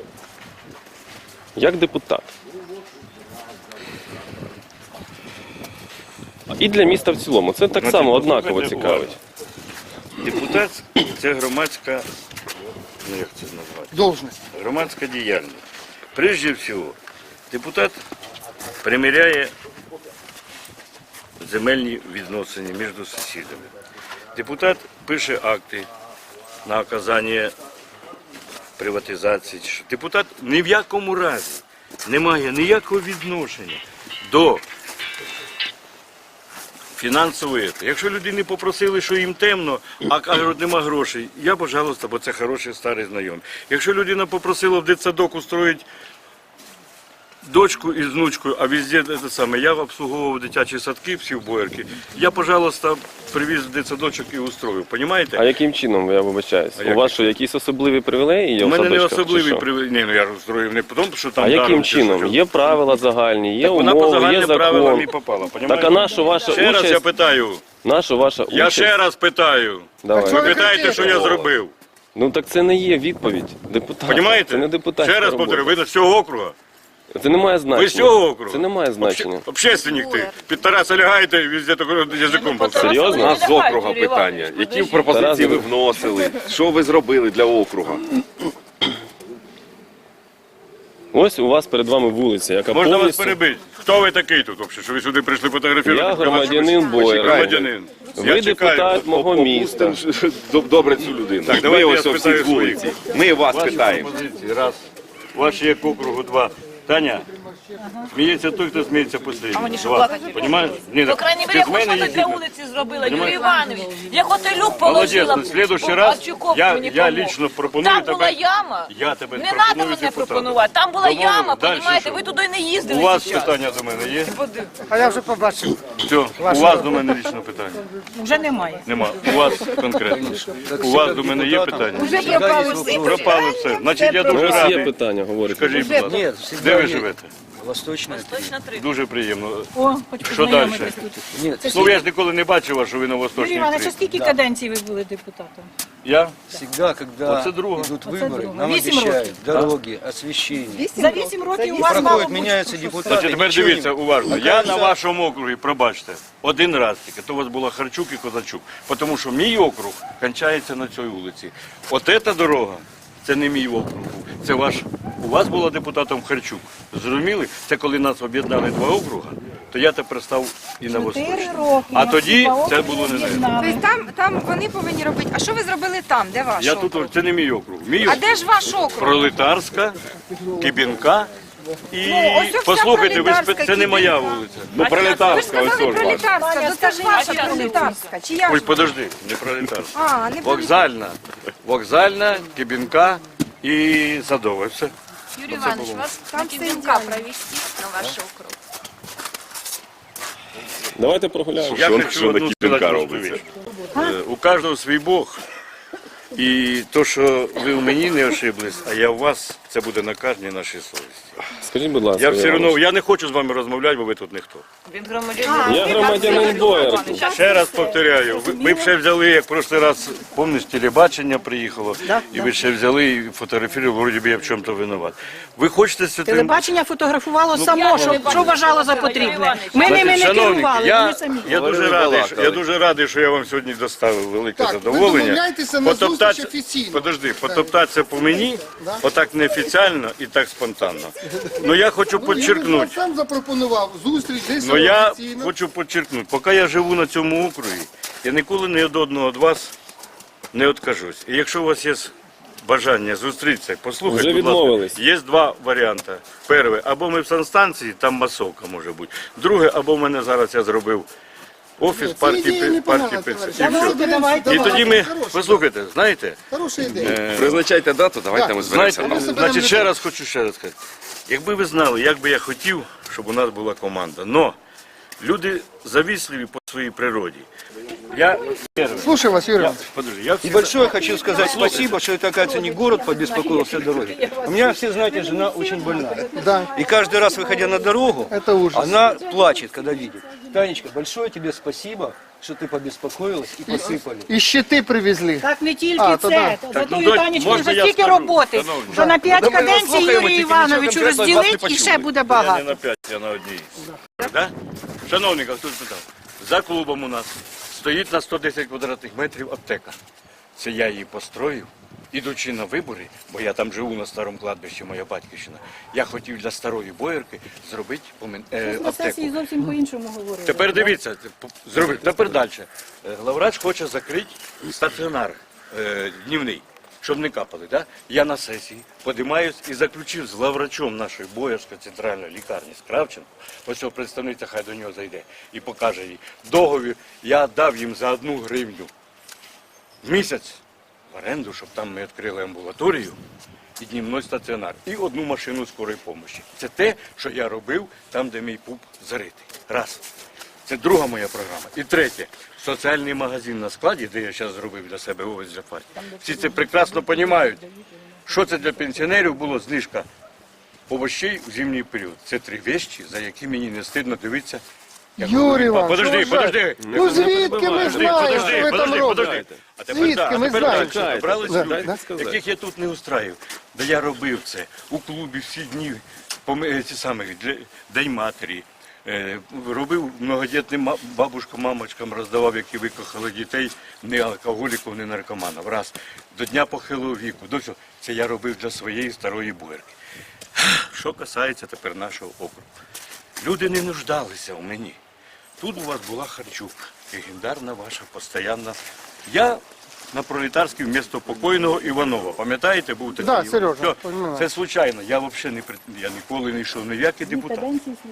Speaker 6: Як депутат? І для міста в цілому. Це так
Speaker 2: Ну,
Speaker 6: само
Speaker 2: типу,
Speaker 6: однаково
Speaker 2: слухайте,
Speaker 6: цікавить.
Speaker 2: Депутат це громадська, ну як це назвати?
Speaker 5: Должность.
Speaker 2: Громадська діяльність. Прежде всього, депутат приміряє земельні відносини між сусідами. Депутат пише акти на оказання приватизації. чи що. Депутат ні в якому разі не має ніякого відношення до фінансової. Якщо людини попросили, що їм темно, а кажуть, нема грошей, я, пожалуйста, бо це хороший старий знайомий. Якщо людина попросила в дитсадок устроїть дочку із внучкою, а везде те саме, я обслуговував дитячі садки, всі в Боярки, я, пожалуйста, привіз в дитсадочок і устроїв,
Speaker 6: А
Speaker 2: понімаєте?
Speaker 6: яким чином, я вибачаюсь?
Speaker 2: А
Speaker 6: У
Speaker 2: як?
Speaker 6: вас що, якісь особливі привілеї є
Speaker 2: У
Speaker 6: в
Speaker 2: мене не
Speaker 6: садочках, чи
Speaker 2: особливий
Speaker 6: що?
Speaker 2: привід. Ні, ну я ж устроїв не тому, що там
Speaker 6: А яким
Speaker 2: даром чи
Speaker 6: чином?
Speaker 2: що.
Speaker 6: Є правила загальні, є
Speaker 2: Так вона по
Speaker 6: умови, є
Speaker 2: загальним правилам і
Speaker 6: закон.
Speaker 2: попала,
Speaker 6: Так
Speaker 2: понімаєте?
Speaker 6: а наша ваша
Speaker 2: Ще раз я
Speaker 6: участь,
Speaker 2: питаю,
Speaker 6: наша ваша
Speaker 2: я
Speaker 6: участь.
Speaker 2: ще раз питаю.
Speaker 6: Давай.
Speaker 2: Ви питаєте, що я зробив?
Speaker 6: Ну так це не є відповідь депутата.
Speaker 2: Понімаєте?
Speaker 6: Це не депутатська
Speaker 2: Ще раз
Speaker 6: робота.
Speaker 2: повторю, ви з цього округа?
Speaker 6: Це не має значення.
Speaker 2: Ви з цього округу?
Speaker 6: Це не має значення.
Speaker 2: Обще- Общественник ти. Під Тараса лягаєте і везде таким язиком болтаєте.
Speaker 6: Серйозно?
Speaker 8: У нас з округа питання. Які пропозиції ви вносили? Що ви зробили для округа?
Speaker 6: Ось у вас перед вами вулиця, яка
Speaker 2: Можна вас
Speaker 6: повністю...
Speaker 2: перебити? Хто ви такий тут взагалі? Що ви сюди прийшли фотографувати?
Speaker 6: Я громадянин Боярки.
Speaker 2: Громадянин.
Speaker 6: Ви
Speaker 2: Я чекаю.
Speaker 6: депутат мого міста.
Speaker 8: Опустимо добре цю людину.
Speaker 2: Так,
Speaker 8: Ми
Speaker 2: давайте я
Speaker 8: ось всі
Speaker 2: спитаю
Speaker 8: з вулиці. Ми вас
Speaker 2: Ваші
Speaker 8: питаємо.
Speaker 2: пропозиції, раз. Ваші як округу, два. Таня, сміється той, хто сміється останній. Два. Понімаєш? Ні,
Speaker 4: По
Speaker 2: так,
Speaker 4: крайній
Speaker 2: ти
Speaker 4: мере,
Speaker 2: з
Speaker 4: я
Speaker 2: мене
Speaker 4: хоч
Speaker 2: є
Speaker 4: щось для
Speaker 2: діти.
Speaker 4: вулиці зробила. Юрій
Speaker 2: Понимаєш?
Speaker 4: Іванович, я готелюк
Speaker 2: Молодець,
Speaker 4: положила.
Speaker 2: ну, в следующий раз
Speaker 4: Арчуков
Speaker 2: я,
Speaker 4: мені
Speaker 2: я
Speaker 4: помог.
Speaker 2: лично пропоную
Speaker 4: Там
Speaker 2: тебе.
Speaker 4: була яма.
Speaker 2: Я тебе
Speaker 4: Не
Speaker 2: пропоную
Speaker 4: треба мене
Speaker 2: депутатом.
Speaker 4: пропонувати. Там була
Speaker 2: Домовились.
Speaker 4: яма,
Speaker 2: Дальше
Speaker 4: понімаєте?
Speaker 2: що?
Speaker 4: Ви туди не їздили
Speaker 2: У вас
Speaker 4: зараз.
Speaker 2: питання до мене є?
Speaker 5: А я вже побачив.
Speaker 2: Все, у вас до мене лічно питання.
Speaker 1: Вже немає.
Speaker 2: Нема. У вас конкретно. У вас до мене є питання?
Speaker 7: Вже пропали всі.
Speaker 2: Пропало все. Значить, я
Speaker 6: У
Speaker 2: дуже
Speaker 6: вас є
Speaker 2: радий.
Speaker 6: питання, говорите.
Speaker 2: Скажіть, будь ласка,
Speaker 9: Нет,
Speaker 2: де
Speaker 9: всегда
Speaker 2: ви
Speaker 9: есть.
Speaker 2: живете?
Speaker 9: Восточная.
Speaker 4: Точно три.
Speaker 2: Дуже приємно.
Speaker 1: О, хоч
Speaker 2: Що далі?
Speaker 1: познайомитись тут.
Speaker 9: Нет,
Speaker 2: Ну, я ж ніколи не бачив вас, що ви на
Speaker 1: Юрій
Speaker 2: Восточній
Speaker 1: Іванович, а
Speaker 2: три.
Speaker 1: скільки каденцій ви були депутатом?
Speaker 2: Я?
Speaker 9: всегда, когда
Speaker 2: Вот это друга.
Speaker 9: идут
Speaker 1: Вот это
Speaker 9: выборы,
Speaker 1: друга.
Speaker 9: нам
Speaker 1: Вісім
Speaker 9: обещают
Speaker 1: років.
Speaker 9: дороги, освещение.
Speaker 1: За вісім років у вас мало
Speaker 9: Проходят,
Speaker 1: бути.
Speaker 9: меняются депутаты.
Speaker 2: Значить, тепер
Speaker 9: ничего
Speaker 2: дивіться
Speaker 9: не-
Speaker 2: уважно. Я на вашому округі, пробачте, один раз тільки, то у вас була Харчук і Козачук. Тому що мій округ кінчається на цій вулиці. От ця дорога, це не мій округ був, це ваш. У вас була депутатом Харчук. Зрозуміли? Це коли нас об'єднали два округа, то я тепер став і на
Speaker 1: Чотири
Speaker 2: Восточній.
Speaker 1: роки.
Speaker 2: А
Speaker 1: нас
Speaker 2: тоді
Speaker 1: два
Speaker 2: це
Speaker 1: округи
Speaker 2: було не знаю.
Speaker 1: об'єднали.
Speaker 7: Тобто там, там вони повинні робити. А що ви зробили там? Де ваш
Speaker 2: Я
Speaker 7: округ?
Speaker 2: тут, це не мій округ. Мій
Speaker 7: А
Speaker 2: округ.
Speaker 7: де ж ваш округ?
Speaker 2: Пролетарська, Кибінка. І
Speaker 7: Ну, ось вся
Speaker 2: послухайте, ви
Speaker 7: Пролетарська,
Speaker 2: спи- це не моя
Speaker 7: Кибінка.
Speaker 2: вулиця.
Speaker 8: Ну,
Speaker 7: Ви
Speaker 8: пролетарська,
Speaker 7: ж
Speaker 8: ось
Speaker 7: сказали
Speaker 8: теж ваша.
Speaker 7: пролетарська, ну це ж ваша пролетарська. Чи я
Speaker 2: Ой,
Speaker 7: ж?
Speaker 2: подожди, не пролетарська.
Speaker 7: А, не
Speaker 2: Вокзальна, вокзальна, Кибінка і Садова. Все.
Speaker 3: Юрий Иванович, вас
Speaker 7: Там
Speaker 3: на
Speaker 7: все
Speaker 3: Кибинка
Speaker 7: идеально.
Speaker 3: провести на ваш округ.
Speaker 6: Давайте прогуляємо.
Speaker 2: Я
Speaker 8: Що-
Speaker 2: хочу
Speaker 8: що на
Speaker 2: одну
Speaker 8: Кибінка
Speaker 2: сказати
Speaker 8: робиться?
Speaker 2: розповідь. Е, У кожного свій Бог. І то, що ви в мені не ошиблись, а я в вас, це буде на кожній нашій совісті.
Speaker 6: Скажіть, будь ласка,
Speaker 2: Я все
Speaker 6: Іванович.
Speaker 2: одно, я не хочу з вами розмовляти, бо ви тут ніхто.
Speaker 4: Він громадянин.
Speaker 6: Я громадянин Боярки.
Speaker 2: Ще раз повторяю, ви, ви б ще взяли, як в прошлий раз, пам'ятаєш, телебачення приїхало, і ви ще взяли і фотографували, вроді би я в чому-то винуват. Ви хочете з цим...
Speaker 1: Телебачення фотографувало
Speaker 2: Ну,
Speaker 1: само, що, що вважало за потрібне. Ми ними не
Speaker 2: Шановники,
Speaker 1: керували,
Speaker 2: я,
Speaker 1: вони самі.
Speaker 2: я, дуже
Speaker 8: Вони
Speaker 2: радий,
Speaker 8: балакали.
Speaker 2: що- я дуже радий, що я вам сьогодні доставив велике
Speaker 5: Так, ви
Speaker 2: задоволення.
Speaker 5: домовляйтеся на
Speaker 2: Потоптатися-
Speaker 5: зустріч офіційно.
Speaker 2: Подожди, потоптатися по мені, отак неофіційно і так спонтанно. Ну я хочу
Speaker 5: Ну, я
Speaker 2: підчеркнути,
Speaker 5: сам запропонував зустріч десь
Speaker 2: ну я
Speaker 5: офіційно.
Speaker 2: хочу підчеркнути, поки я живу на цьому округі, я ніколи ні від одного від вас не відкажусь. І якщо у вас є бажання зустрітися, послухайте,
Speaker 6: Вже
Speaker 2: будь ласка,
Speaker 6: відмовились.
Speaker 2: є два варіанти. Перший, або ми в санстанції, там масовка може бути. Друге, або в мене зараз я зробив офіс
Speaker 5: Це
Speaker 2: партії,
Speaker 5: ідея
Speaker 2: партії,
Speaker 5: непогана,
Speaker 2: партії
Speaker 5: товариш.
Speaker 2: І все.
Speaker 1: Давайте, давайте.
Speaker 2: І тоді ми,
Speaker 5: Хороша,
Speaker 2: послухайте, знаєте,
Speaker 5: Хороша ідея.
Speaker 8: Призначайте дату, давайте
Speaker 5: Так,
Speaker 8: ми зберемося.
Speaker 2: знаєте,
Speaker 8: там.
Speaker 5: Давайте.
Speaker 2: значить, ще раз хочу ще раз сказати. Якби ви знали, як би я хотів, щоб у нас була команда. Но люди завісливі по своїй природі. Я,
Speaker 5: Слушай вас, Юрий
Speaker 2: я,
Speaker 5: Иванович.
Speaker 2: подожди, я
Speaker 9: И
Speaker 2: всегда-
Speaker 9: большое хочу сказать спасибо, что это, оказывается, не город побеспокоился о дороге. У меня, все знаете, жена очень больная.
Speaker 5: Да,
Speaker 9: И каждый раз, выходя на дорогу,
Speaker 5: это ужас.
Speaker 9: она плачет, когда видит. Танечка, большое тебе спасибо, что ты побеспокоилась и посыпали.
Speaker 5: І щити привезли.
Speaker 1: Так не тільки
Speaker 5: А, то
Speaker 1: це.
Speaker 5: да.
Speaker 1: За
Speaker 2: ну,
Speaker 1: тою
Speaker 2: донь,
Speaker 1: Танечкою
Speaker 2: можна
Speaker 1: вже
Speaker 2: я
Speaker 1: стільки
Speaker 2: скажу?
Speaker 1: роботи,
Speaker 2: Шановні.
Speaker 1: що на п'ять
Speaker 8: Ну, ми
Speaker 1: каденцій
Speaker 8: слухаємо,
Speaker 1: Юрію
Speaker 8: тільки
Speaker 1: Івановичу
Speaker 8: нічого конкретного від вас не
Speaker 1: розділить і ще
Speaker 8: почули.
Speaker 1: буде
Speaker 2: Я не
Speaker 1: багато.
Speaker 2: на п'ять, я на одній. Да? Шановні, хтось питав. За клубом у нас стоїть на сто десять квадратних метрів аптека. Це я її построїв, ідучи на вибори, бо я там живу на старому кладбищі, моя батьківщина. Я хотів для старої Боярки зробити помен- е,
Speaker 1: На
Speaker 2: аптеку.
Speaker 1: сесії зовсім по-іншому говорили.
Speaker 2: Тепер дивіться, зроби. Тепер далі. Е, Главврач хоче закрити стаціонар е, днівний, щоб не капали. Да? Я на сесії подимаюсь і заключив з главврачом нашої Боярської центральної лікарні з Кравченко, ось цього представниця, хай до нього зайде і покаже їй. Договір я дав їм за одну гривню в місяць в оренду, щоб там ми відкрили амбулаторію і днівний стаціонар, і одну машину скорої допомоги. Це те, що я робив там, де мій пуп заритий. Раз. Це друга моя програма. І третє. Соціальний магазин на складі, де я зараз зробив для себе овець для партії. Всі це прекрасно розуміють. Що це для пенсіонерів було знижка овощей у зимній період. Це три вещі, за які мені не стидно дивитися. як
Speaker 5: Юрій
Speaker 2: говорить.
Speaker 5: Іванович,
Speaker 2: Подожди,
Speaker 5: що ви
Speaker 2: подожди.
Speaker 5: Ну звідки ми
Speaker 2: Подожди,
Speaker 5: знаємо,
Speaker 2: подожди,
Speaker 5: що ви там
Speaker 2: подожди, подожди.
Speaker 5: робите?
Speaker 2: А тепер
Speaker 5: Звідки
Speaker 2: так, а
Speaker 5: ми
Speaker 2: тепер
Speaker 5: знаємо?
Speaker 2: далі. Добрались
Speaker 5: Да,
Speaker 2: люди,
Speaker 5: да.
Speaker 2: яких я тут не устраю. Де я робив це у клубі всі дні, пом- ці самі, для- День матері. Е, Робив многодітним ма- бабушкам, мамочкам, роздавав, які викохали дітей, не алкоголіків, не наркоманів. Раз. До Дня похилого віку. До цього. Це я робив для своєї старої Боярки. Що касається тепер нашого округу. Люди не нуждалися у мені. Тут у вас була Харчук, легендарна ваша постійна. Я на Пролетарській вмісто покойного Іванова. Пам'ятаєте, був такий?
Speaker 5: Да,
Speaker 2: Іван?
Speaker 5: Сережа,
Speaker 2: Все,
Speaker 5: пам'ятаю.
Speaker 2: це случайно. Я взагалі не пред- я ніколи не йшов ні в який депутат.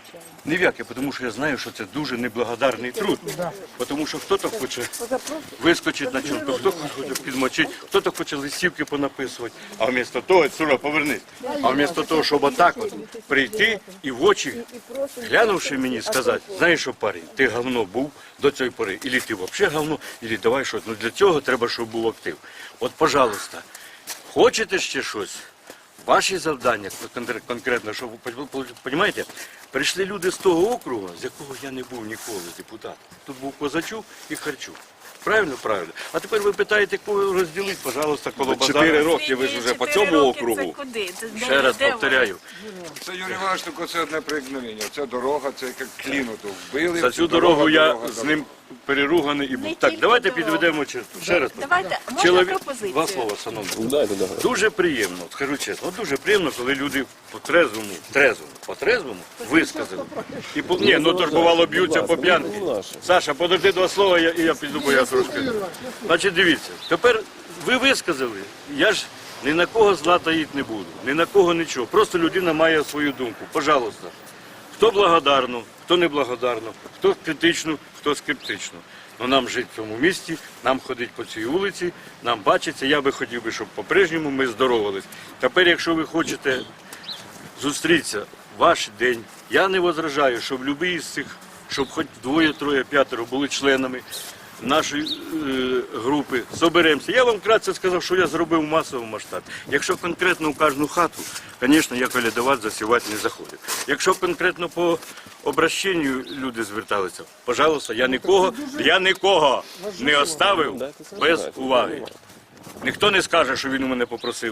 Speaker 2: Ні в який, тому що я знаю, що це дуже неблагодарний труд. Тому що хтось хоче вискочити на чорку, хто хоче підмочити, хтось хоче листівки понаписувати. А вмісто того, Сура, повернись. А вмісто того, щоб отак от прийти і в очі, глянувши мені, сказати, знаєш що, парень, ти говно був до цієї пори, ілі ти взагалі говно, ілі давай щось. Ну для цього треба, щоб був актив. От, пожалуйста, хочете ще щось? Ваші завдання конкр- конкретно, що ви розумієте, прийшли люди з того округу, з якого я не був ніколи депутатом. Тут був Козачук і Харчук. Правильно, правильно. А тепер ви питаєте, кого розділити, пожалуйста, коло
Speaker 8: Чотири
Speaker 2: базару.
Speaker 8: роки ви ж вже по
Speaker 3: Чотири
Speaker 8: цьому
Speaker 3: роки
Speaker 8: округу.
Speaker 3: Це куди? Це де-
Speaker 2: Ще раз
Speaker 3: де
Speaker 2: повторяю.
Speaker 10: Це Юрій Іванович, тільки це одне проігнорення. Це дорога, це як кліну то вбили.
Speaker 2: За
Speaker 10: це
Speaker 2: цю
Speaker 10: дорога,
Speaker 2: дорогу я
Speaker 10: дорога,
Speaker 2: з ним переруганий і був.
Speaker 3: Не
Speaker 2: Так,
Speaker 3: тільки
Speaker 2: давайте
Speaker 3: дорога.
Speaker 2: підведемо черту. Ще раз.
Speaker 3: Давайте, можна
Speaker 2: Чоловік...
Speaker 3: пропозицію?
Speaker 2: Два слова, шановні.
Speaker 6: Дайте, дайте.
Speaker 2: Дуже приємно, скажу чесно, от дуже приємно, коли люди по трезвому, трезвому, по трезвому висказали. І по... Ні, ну то ж бувало б'ються по п'янки. Саша, подожди два слова, я, і я піду, бо я трошки. Значить, дивіться, тепер ви висказали, я ж ні на кого зла таїть не буду, ні на кого нічого. Просто людина має свою думку. Пожалуйста, хто благодарно, хто не благодарно, хто критично, хто скептично. Ну нам жити в цьому місті, нам ходити по цій вулиці, нам бачиться. Я би хотів би, щоб по-прежньому ми здоровались. Тепер, якщо ви хочете зустрітися в ваш день, я не возражаю, щоб будь-який з цих, щоб хоч двоє, троє, п'ятеро були членами нашої е, групи, соберемося. Я вам вкратце сказав, що я зробив в масовому масштабі. Якщо конкретно у кожну хату, звісно, я колядувати, засівати не заходив. Якщо конкретно по обращенню люди зверталися, пожалуйста, я нікого, я нікого не оставив без уваги. Ніхто не скаже, що він у мене попросив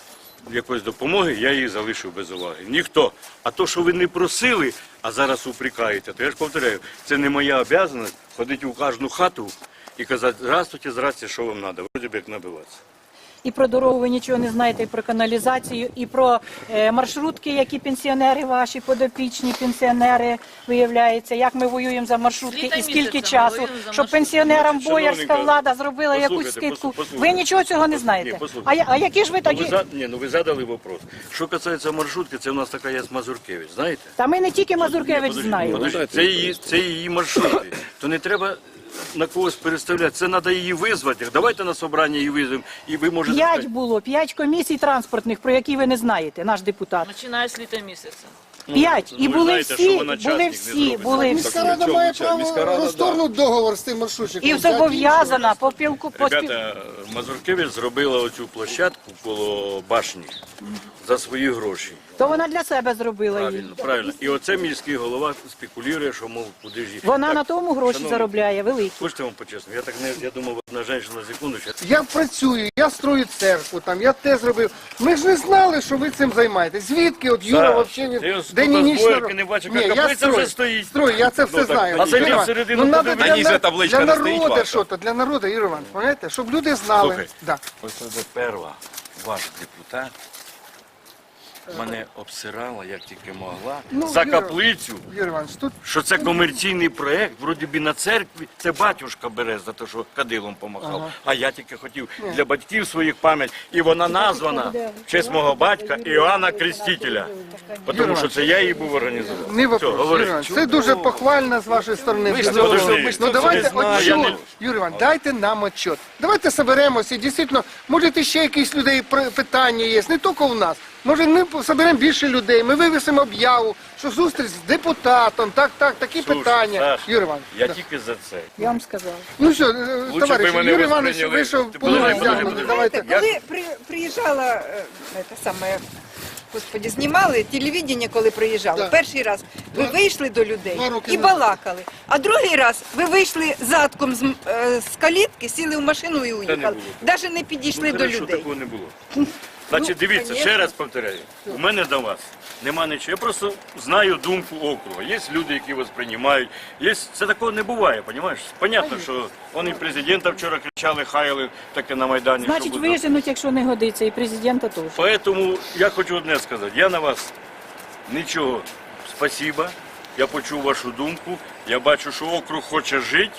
Speaker 2: якоїсь допомоги, я її залишив без уваги. Ніхто. А то, що ви не просили, а зараз упрекаєте, то я ж повторяю, це не моя обов'язаність ходити у кожну хату і казати, здравствуйте, здравствуйте, що вам треба, вроді б як набиватися.
Speaker 1: І про дорогу ви нічого не знаєте, і про каналізацію, і про е, маршрутки, які пенсіонери ваші, подопічні пенсіонери, виявляється, як ми воюємо за маршрутки
Speaker 4: Літа
Speaker 1: і скільки
Speaker 4: місяця
Speaker 1: часу,
Speaker 4: воюємо за
Speaker 1: щоб
Speaker 4: маршрутки.
Speaker 1: пенсіонерам
Speaker 2: Значить,
Speaker 1: боярська
Speaker 2: шановненька,
Speaker 1: влада зробила якусь
Speaker 2: послухайте,
Speaker 1: скидку.
Speaker 2: послухайте.
Speaker 1: Ви нічого цього не
Speaker 2: Ні,
Speaker 1: знаєте.
Speaker 2: послухайте.
Speaker 1: А, я- а які ж ви
Speaker 2: Ну, ви,
Speaker 1: тоді?
Speaker 2: за... Ні, ну, ви задали вопрос. Що касається маршрутки, це у нас така є Мазуркевич, знаєте?
Speaker 1: Та ми не тільки Мазуркевич
Speaker 2: Ні, подожди,
Speaker 1: знаємо.
Speaker 2: подожди, Це її, це її маршрути. То не треба на когось переставляти. Це треба її визвати. Давайте на собрання її визвемо, і ви можете
Speaker 1: П'ять
Speaker 2: сказати.
Speaker 1: було, п'ять комісій транспортних, про які ви не знаєте, наш депутат.
Speaker 4: Починає з літа місяця.
Speaker 1: П'ять.
Speaker 2: ну,
Speaker 1: І
Speaker 2: ви
Speaker 1: були
Speaker 2: знаєте, що
Speaker 1: всі,
Speaker 2: вона
Speaker 1: були
Speaker 2: частник не
Speaker 1: всі,
Speaker 2: зробить.
Speaker 1: були
Speaker 5: Міська
Speaker 1: всі.
Speaker 5: рада має право
Speaker 8: міська рада,
Speaker 5: розторгнути договор з тим маршрутчиком.
Speaker 1: І зобов'язана по пілку, по спів...
Speaker 2: Ребята, Мазуркевич зробила оцю площадку коло башні за свої гроші.
Speaker 1: То вона для себе зробила її.
Speaker 2: Правильно, правильно. І оце міський голова спекулює, що, мов, куди ж її.
Speaker 1: Вона
Speaker 2: Так,
Speaker 1: на тому гроші
Speaker 2: шановні,
Speaker 1: заробляє, великі.
Speaker 2: Хочете вам почесно? Я так не, я думав, одна жінка на секунду.
Speaker 5: Я працюю, я строю церкву, там, я те зробив. Ми ж не знали, що ви цим займаєтесь. Звідки от Юра
Speaker 2: Саш,
Speaker 5: взагалі
Speaker 2: ти
Speaker 5: не
Speaker 2: ось
Speaker 5: день і
Speaker 2: тут
Speaker 5: ніч
Speaker 2: збоярки
Speaker 5: не
Speaker 2: не бачив,
Speaker 5: Ні,
Speaker 2: як
Speaker 5: я
Speaker 2: каплиця
Speaker 5: строю,
Speaker 2: вже стоїть.
Speaker 5: Строю, я це все
Speaker 2: Ну, так,
Speaker 5: знаю.
Speaker 2: а зайди
Speaker 5: Юрій Іванович,
Speaker 2: всередину,
Speaker 5: ну, надо
Speaker 2: подивись.
Speaker 5: для,
Speaker 8: А ні, за
Speaker 5: на-
Speaker 8: табличка
Speaker 5: для
Speaker 8: не стоїть
Speaker 5: народу
Speaker 8: ваша?
Speaker 5: що то, для народу, Юрій Іванович, пам'ятаєте, щоб люди знали.
Speaker 2: Слухай.
Speaker 5: Да.
Speaker 2: Ось це перша ваш депутат мене обсирала, як тільки могла,
Speaker 5: Ну,
Speaker 2: за
Speaker 5: Юра,
Speaker 2: каплицю,
Speaker 5: Юрій Іванович, тут
Speaker 2: що це комерційний проєкт, вроді би на церкві, це батюшка бере за те, що кадилом помахав. А я тільки хотів для батьків своїх пам'ять. І вона названа в честь мого батька Іоанна Крестителя. Тому що це я її був організував.
Speaker 5: не
Speaker 2: Все,
Speaker 5: вопрос. Юрій
Speaker 2: говори.
Speaker 5: Іванович, це дуже похвально з вашої сторони.
Speaker 2: Ви
Speaker 5: Дуже
Speaker 2: ж
Speaker 5: добре.
Speaker 2: подожди,
Speaker 5: Ну
Speaker 2: це
Speaker 5: давайте
Speaker 2: не знаю, я
Speaker 5: отчет.
Speaker 2: не-
Speaker 5: Юрій Іванович, дайте нам отчет. Давайте соберемося і дійсно, може ще якісь людей пр- питання є, не тільки у нас. Може ми соберемо більше людей, ми вивісимо об'яву, що зустріч з депутатом, так, так, такі
Speaker 2: Слушай,
Speaker 5: питання.
Speaker 2: Саш,
Speaker 5: Юрій Іванович.
Speaker 2: Я
Speaker 5: да.
Speaker 2: тільки за це.
Speaker 1: Я вам сказала.
Speaker 5: Ну що,
Speaker 2: Лучше
Speaker 5: товариші,
Speaker 2: б ви мене
Speaker 5: Юрій Іванович
Speaker 2: восприйняли.
Speaker 5: вийшов
Speaker 2: Ти
Speaker 5: по
Speaker 2: подожди, подожди,
Speaker 5: Давайте.
Speaker 2: подожди.
Speaker 5: Давайте.
Speaker 2: Я-
Speaker 7: Коли при, приїжджала, е, це саме, господі, знімали телевідення, коли приїжджали.
Speaker 5: Да.
Speaker 7: Перший раз ви вийшли до людей
Speaker 5: Два роки
Speaker 7: і
Speaker 5: назад.
Speaker 7: балакали. А другий раз ви вийшли задком з, м- е, з калітки, сіли в машину і уїхали.
Speaker 2: було.
Speaker 7: Навіть не підійшли
Speaker 2: Ну,
Speaker 7: до
Speaker 2: хорошо,
Speaker 7: людей.
Speaker 2: такого не було. Значить, дивіться, ще
Speaker 7: конечно.
Speaker 2: раз повторяю, у мене до вас нема нічого. Я просто знаю думку округу. Є люди, які вас приймають. Є... Це такого не буває, розумієш? Понятно, що вони і президента вчора кричали, хаяли таке на Майдані.
Speaker 1: Значить,
Speaker 2: що буде.
Speaker 1: виженуть, якщо не годиться, і президента теж.
Speaker 2: Поэтому я хочу одне сказати. Я на вас Нічого, спасіба. Я почув вашу думку. Я бачу, що округ хоче жити.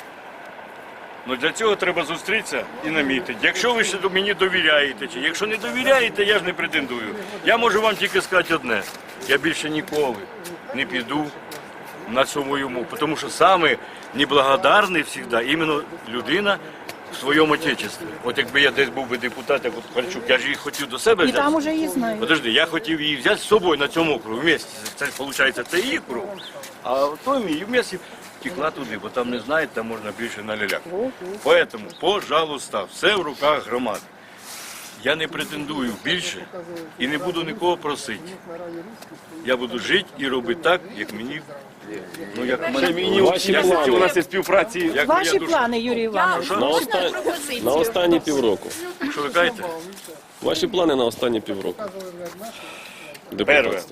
Speaker 2: Ну для цього треба зустрітися і намітити. Якщо ви ще до мені довіряєте, чи якщо не довіряєте, я ж не претендую. Я можу вам тільки сказати одне. Я більше ніколи не піду на цьому йому. Тому що саме неблагодарний завжди іменно людина в своєму отечестві. От якби я десь був би депутат, як от Харчук, я ж її хотів до себе
Speaker 1: І
Speaker 2: взяти.
Speaker 1: там уже її знають.
Speaker 2: Подожди, я хотів її взяти з собою на цьому округу вместе. Це виходить, це її круг, а той мій вместе текла туди, бо там не знають, там можна більше наляляти. Поэтому, пожалуйста, все в руках громади. Я не претендую більше і не буду нікого просити. Я буду жити і робити так, як мені. Ну, як мене мені
Speaker 6: Ваші
Speaker 2: як
Speaker 6: плани.
Speaker 2: у нас є співпраці. Як
Speaker 1: Ваші
Speaker 2: моя душа.
Speaker 1: плани, Юрій Іванович.
Speaker 6: На,
Speaker 3: Можна
Speaker 6: оста...
Speaker 3: пропозицію?
Speaker 6: на останні півроку.
Speaker 2: Що ви кажете?
Speaker 6: Ваші плани на останні півроку.
Speaker 2: Перше.
Speaker 6: Депутатство.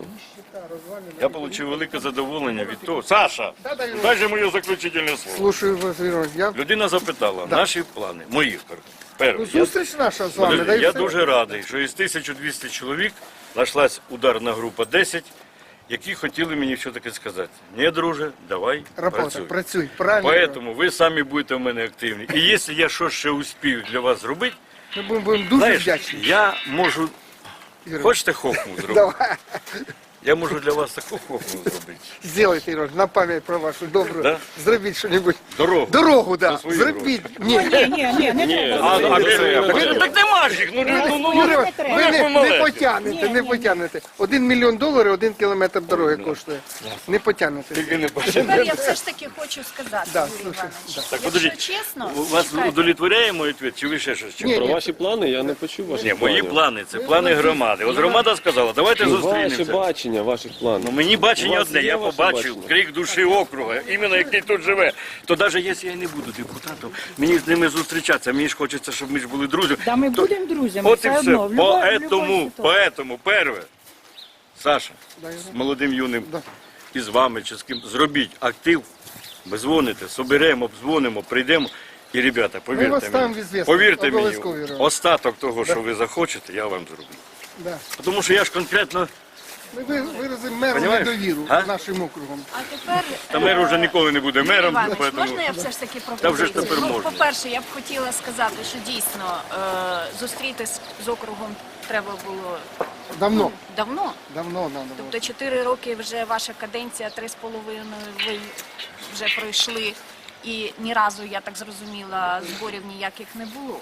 Speaker 2: Я отримав велике задоволення від того. Саша, дай же моє заключительне слово.
Speaker 5: Слушаю вас, Ігор. Я...
Speaker 2: Людина запитала, наші плани, мої. Перше. Я-
Speaker 5: Зустріч наша з вами.
Speaker 2: Подожди,
Speaker 5: да і
Speaker 2: я
Speaker 5: все.
Speaker 2: дуже радий, що із тисяча двісті чоловік знайшлась ударна група десять, які хотіли мені все таки сказати. Ні, друже, давай,
Speaker 5: Робота,
Speaker 2: працюй.
Speaker 5: працюй. Правильно.
Speaker 2: Поэтому ви самі будете в мене активні. І якщо я щось ще успію для вас зробити,
Speaker 5: Ми будемо, будемо дуже
Speaker 2: знаєш,
Speaker 5: вдячні.
Speaker 2: я можу,
Speaker 5: Ігор.
Speaker 2: хочете хохму зробити?
Speaker 5: Давай.
Speaker 2: Я можу для вас таку хохму зробити.
Speaker 5: Сделайте, Ігор, на пам'ять про вашу добру.
Speaker 2: Да?
Speaker 5: Зробіть що-небудь.
Speaker 2: Дорогу.
Speaker 5: Дорогу, да.
Speaker 2: За свої
Speaker 5: Зробіть. Ні.
Speaker 1: Ні, ні, ні, не треба.
Speaker 2: А, а, так, так нема ж їх, ну, ну, ну,
Speaker 5: Юрій,
Speaker 2: ну,
Speaker 5: ви
Speaker 2: ну,
Speaker 5: не, не
Speaker 2: маленькі.
Speaker 5: потягнете, не потягнете. Один мільйон доларів, один кілометр дороги коштує. Не потягнете.
Speaker 2: Тільки не
Speaker 3: Тепер я все ж таки хочу сказати,
Speaker 5: Да,
Speaker 3: Юрій
Speaker 5: слушай,
Speaker 3: Іванович,
Speaker 2: Так,
Speaker 3: якщо
Speaker 2: подождіть,
Speaker 3: чесно,
Speaker 2: у вас
Speaker 3: чекайте.
Speaker 2: удовлетворяє мій відповідь, чи ви ще щось?
Speaker 5: Ні,
Speaker 6: Про
Speaker 5: ні.
Speaker 6: ваші плани я не почув ваших
Speaker 2: Ні, мої
Speaker 6: планів.
Speaker 2: плани, це плани громади. От громада сказала, давайте
Speaker 6: Ну, ваше
Speaker 2: зустрінемося.
Speaker 6: бачення ваших планів.
Speaker 2: Ну мені бачення
Speaker 6: У вас
Speaker 2: одне,
Speaker 6: є
Speaker 2: я
Speaker 6: ваше
Speaker 2: побачив
Speaker 6: бачення?
Speaker 2: крик душі округа, іменно який тут живе. То навіть якщо я не буду депутатом, мені з ними зустрічатися, мені ж хочеться, щоб ми ж були друзями.
Speaker 1: Та ми
Speaker 2: То-
Speaker 1: будемо друзями,
Speaker 2: От і
Speaker 1: все
Speaker 2: все.
Speaker 1: одно. в любой- в любой
Speaker 2: Поэтому,
Speaker 1: ситуації.
Speaker 2: поэтому, перше, Саша, з молодим юним, і з вами, чи з ким, зробіть актив, ви дзвоните, соберемо, обдзвонимо, прийдемо. І, ребята,
Speaker 5: вас
Speaker 2: повірте
Speaker 5: ставимо в
Speaker 2: мені,
Speaker 5: ізвісність.
Speaker 2: повірте мені,
Speaker 5: Обов'язково, Юрій.
Speaker 2: остаток того, що ви захочете, я вам зроблю.
Speaker 5: Да.
Speaker 2: Тому що я ж конкретно,
Speaker 5: Ми ви- виразимо меру
Speaker 2: Понімаєш?
Speaker 5: недовіру
Speaker 2: А?
Speaker 5: нашим округом.
Speaker 3: А тепер
Speaker 2: та мер вже ніколи не буде мером,
Speaker 3: Іванович,
Speaker 2: поэтому...
Speaker 3: можна я все ж таки
Speaker 2: Та вже ж
Speaker 3: пропозицію?
Speaker 2: тепер
Speaker 3: Ну,
Speaker 2: можна.
Speaker 3: по-перше, я б хотіла сказати, що дійсно е, зустрітись з округом треба було
Speaker 5: Давно.
Speaker 3: давно.
Speaker 5: Давно, давно.
Speaker 3: Тобто чотири роки вже ваша каденція, три з половиною ви вже пройшли, і ні разу, я так зрозуміла, зборів ніяких не було.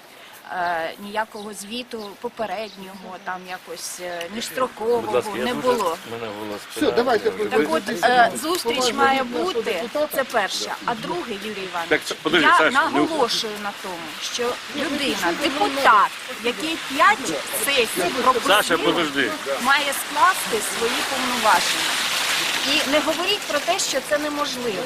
Speaker 3: Е, ніякого звіту попереднього, там якось е,
Speaker 2: Будь
Speaker 3: міжстрокового
Speaker 2: ласка, я
Speaker 3: не
Speaker 2: дуже-
Speaker 3: було.
Speaker 2: Мене голос
Speaker 5: Все,
Speaker 2: спинає,
Speaker 5: давайте.
Speaker 2: я вже-
Speaker 3: Так от, е, зустріч має бути, це перше. А друге, Юрій
Speaker 2: Так,
Speaker 3: Іванович,
Speaker 2: це- подожди,
Speaker 3: я
Speaker 2: Саш, не-
Speaker 3: наголошую на тому, що людина, депутат, який п'ять сесій
Speaker 2: Саша,
Speaker 3: пропустив,
Speaker 2: подожди.
Speaker 3: має скласти свої повноваження. І не говоріть про те, що це неможливо.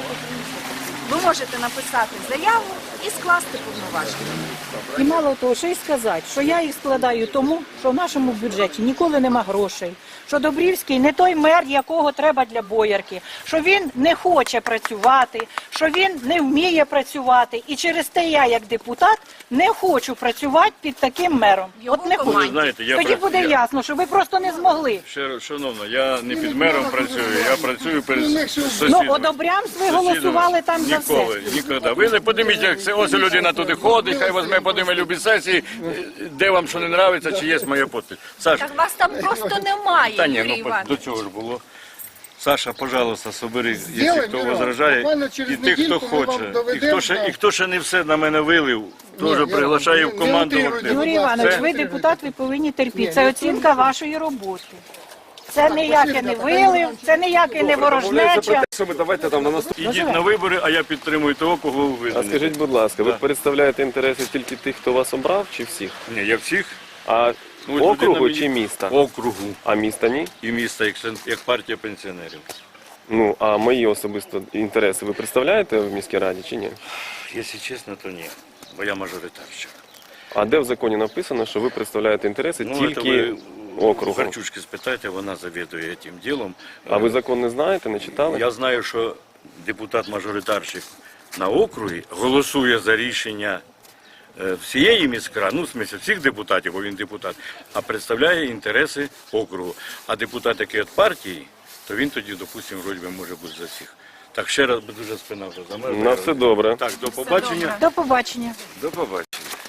Speaker 3: Ви можете написати заяву і скласти повноваження.
Speaker 1: І мало того, що й сказати, що я їх складаю тому, що в нашому бюджеті ніколи нема грошей, що Добрівський не той мер, якого треба для боярки, що він не хоче працювати, що він не вміє працювати. І через те я, як депутат, не хочу працювати під таким мером. От не
Speaker 3: команді.
Speaker 1: хочу.
Speaker 2: Знаєте, я
Speaker 1: Тоді
Speaker 2: про-
Speaker 1: буде
Speaker 2: я-
Speaker 1: ясно, що ви просто не змогли.
Speaker 2: Ще раз, шановна, я не під мером працюю, я працюю перед
Speaker 5: Ну,
Speaker 2: сусідом.
Speaker 1: Ну, одобрямс ви голосували там за все.
Speaker 2: Ніколи, ніколи. Ви не подивіться, як це ось людина туди ходить, хай візьме, подиме любі сесії, де вам що не подобається, чи є моя підпис. Саша,
Speaker 3: Так вас там просто немає,
Speaker 2: та ні,
Speaker 3: Юрій
Speaker 2: ну
Speaker 3: Іванович.
Speaker 2: до цього ж було. Саша, пожалуйста, собери, якщо
Speaker 5: Сделаем,
Speaker 2: хто
Speaker 5: Мирон.
Speaker 2: возражає,
Speaker 5: Буквально через
Speaker 2: і тих, хто
Speaker 5: недільку ми вам
Speaker 2: хоче, і
Speaker 5: доведемо,
Speaker 2: хто, ще,
Speaker 5: да.
Speaker 2: і хто ще не все на мене вилив,
Speaker 5: Ні,
Speaker 2: теж
Speaker 5: я-
Speaker 2: приглашаю в
Speaker 5: не
Speaker 2: команду. в
Speaker 5: утрируйте,
Speaker 2: актив.
Speaker 1: Юрій
Speaker 5: будь ласка.
Speaker 1: Іванович,
Speaker 2: Це-
Speaker 1: ви депутат, ви повинні терпіти. Це оцінка вашої роботи. Це ніякий не вилив, це ніякий не ворожнеча.
Speaker 8: Що ми давайте там на наступний.
Speaker 2: Ідіть на вибори, а я підтримую того, кого ви
Speaker 6: А
Speaker 2: визнаєте.
Speaker 6: скажіть, будь ласка, ви
Speaker 2: Да.
Speaker 6: представляєте інтереси тільки тих, хто вас обрав, чи всіх?
Speaker 2: Ні, я всіх
Speaker 6: А
Speaker 2: Ну, от
Speaker 6: округу
Speaker 2: людина
Speaker 6: чи
Speaker 2: мені-
Speaker 6: міста?
Speaker 2: округу
Speaker 6: А міста ні?
Speaker 2: і міста, як, сен- як партія пенсіонерів.
Speaker 6: Ну, а мої особисто інтереси ви представляєте в міській раді чи ні?
Speaker 2: Якщо чесно, то ні, бо я мажоритарщик.
Speaker 6: А де в законі написано, що ви представляєте інтереси
Speaker 2: Ну,
Speaker 6: тільки
Speaker 2: це ви
Speaker 6: округу?
Speaker 2: Харчучки спитайте, вона завідує цим ділом.
Speaker 6: А ви закон не знаєте, не читали?
Speaker 2: Я знаю, що депутат-мажоритарщик на округі голосує за рішення е, всієї міськради, ну, в смысле, всіх депутатів, бо він депутат, а представляє інтереси округу. А депутат, який від партії, то він тоді, допустимо, вроді би може бути за всіх. Так, ще раз би дуже спина вже замерзла.
Speaker 6: На все добре.
Speaker 2: Так, до побачення.
Speaker 1: До побачення.
Speaker 8: До побачення.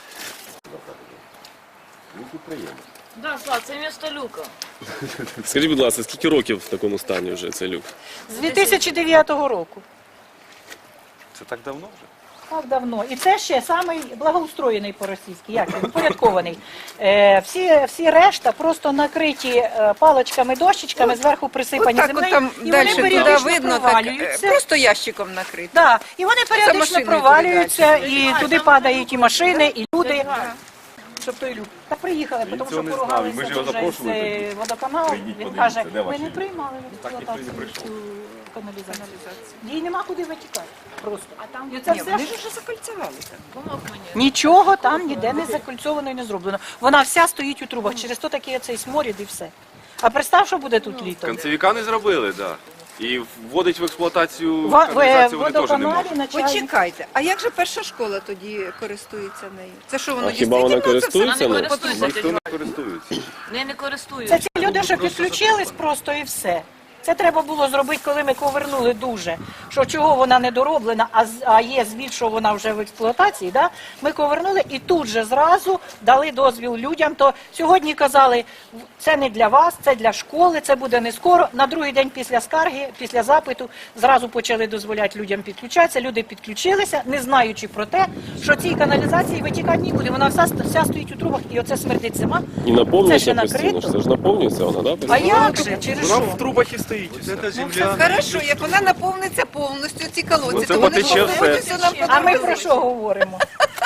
Speaker 4: Да, Слав, це місто Люка.
Speaker 6: Скажіть, будь ласка, скільки років в такому стані вже цей люк?
Speaker 1: З дві тисячі дев'ятого року.
Speaker 8: Це так давно вже?
Speaker 1: Так давно. І це ще самий благоустроєний по-російськи, як він, упорядкований. Е, всі, всі решта просто накриті е, паличками, дощечками, зверху присипані
Speaker 7: От так от
Speaker 1: землею,
Speaker 7: там
Speaker 1: і
Speaker 7: далі
Speaker 1: вони
Speaker 7: туди
Speaker 1: періодично
Speaker 7: видно, так, е,
Speaker 1: провалюються.
Speaker 7: просто ящиком накрито.
Speaker 1: Да, і вони періодично
Speaker 7: машиною
Speaker 1: провалюються, і туди падають і машини, і люди. Щоб той люк. Та приїхали, тому що поругалися дуже з е, водоканалу. Він каже, ми не приймали в експлуатацію цю каналізацію. Її нема куди витікати. Просто. А там і це
Speaker 7: Ні,
Speaker 1: все
Speaker 7: вони
Speaker 1: ж-
Speaker 7: ж вже закольцевали там.
Speaker 4: Помог мені.
Speaker 1: нічого там ніде не закольцовано і не зроблено. Вона вся стоїть у трубах. Через то такий оцей сморід і все. А представ, що буде тут літом.
Speaker 8: Концевіка не зробили, так. І вводить в експлуатацію
Speaker 1: Ва- в
Speaker 8: каналізацію вони теж не
Speaker 1: водоканалі
Speaker 8: можуть.
Speaker 1: на чай.
Speaker 7: Почекайте, а як же перша школа тоді користується нею? Це що, воно
Speaker 6: А хіба вона
Speaker 7: дійсно це все
Speaker 6: користується
Speaker 7: на
Speaker 6: нею?
Speaker 7: потужності?
Speaker 8: Ніхто не користується.
Speaker 4: Не, не
Speaker 1: Це
Speaker 4: користуюся.
Speaker 1: ці люди, що підключились просто і все. Це треба було зробити, коли ми повернули дуже, що чого вона не дороблена, а, з- а є звіт, що вона вже в експлуатації. Да? Ми повернули і тут же зразу дали дозвіл людям. То сьогодні казали, це не для вас, це для школи, це буде не скоро. На другий день після скарги, після запиту, зразу почали дозволяти людям підключатися. Люди підключилися, не знаючи про те, що цій каналізації витікати нікуди. Вона вся, вся стоїть у трубах і оце смердить зима.
Speaker 6: І
Speaker 1: Це ще
Speaker 6: наповнюється постійно,
Speaker 1: накрито.
Speaker 6: ж це ж наповнюється вона, так? Да?
Speaker 1: А як же? Через що?
Speaker 8: трубах і стоїть.
Speaker 9: Це земля.
Speaker 7: Хорошо, як вона наповниться повністю ці колодці,
Speaker 8: Ну, це
Speaker 7: то вони
Speaker 8: потече
Speaker 7: повністю нам
Speaker 1: А ми про
Speaker 7: подобається.
Speaker 1: що говоримо?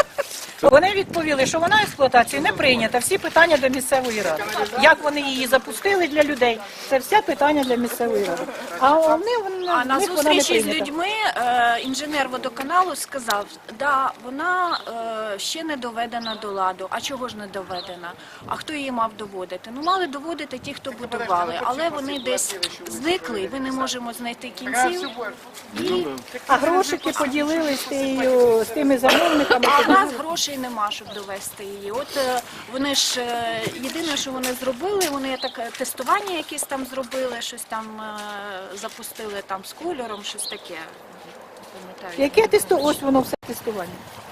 Speaker 1: Вони відповіли, що вона експлуатацію не прийнята. Всі питання до місцевої ради. Як вони її запустили для людей, це все питання для місцевої ради. А вони, вони
Speaker 3: А на
Speaker 1: в них вона не
Speaker 3: зустрічі з
Speaker 1: прийнята.
Speaker 3: людьми е, інженер водоканалу сказав, да, вона е, ще не доведена до ладу. А чого ж не доведена? А хто її мав доводити? Ну, мали доводити ті, хто будували, але вони десь зникли, і ми не можемо знайти кінців. І,
Speaker 1: А грошики поділили з, тією, з тими замовниками.
Speaker 3: а в нас грошей нема, щоб довести її. От е, вони ж е, єдине, що вони зробили, вони таке тестування якісь там зробили, щось там е, запустили там з кольором, щось таке. Пам'ятаю.
Speaker 1: Яке тесту? Ось воно все тестування.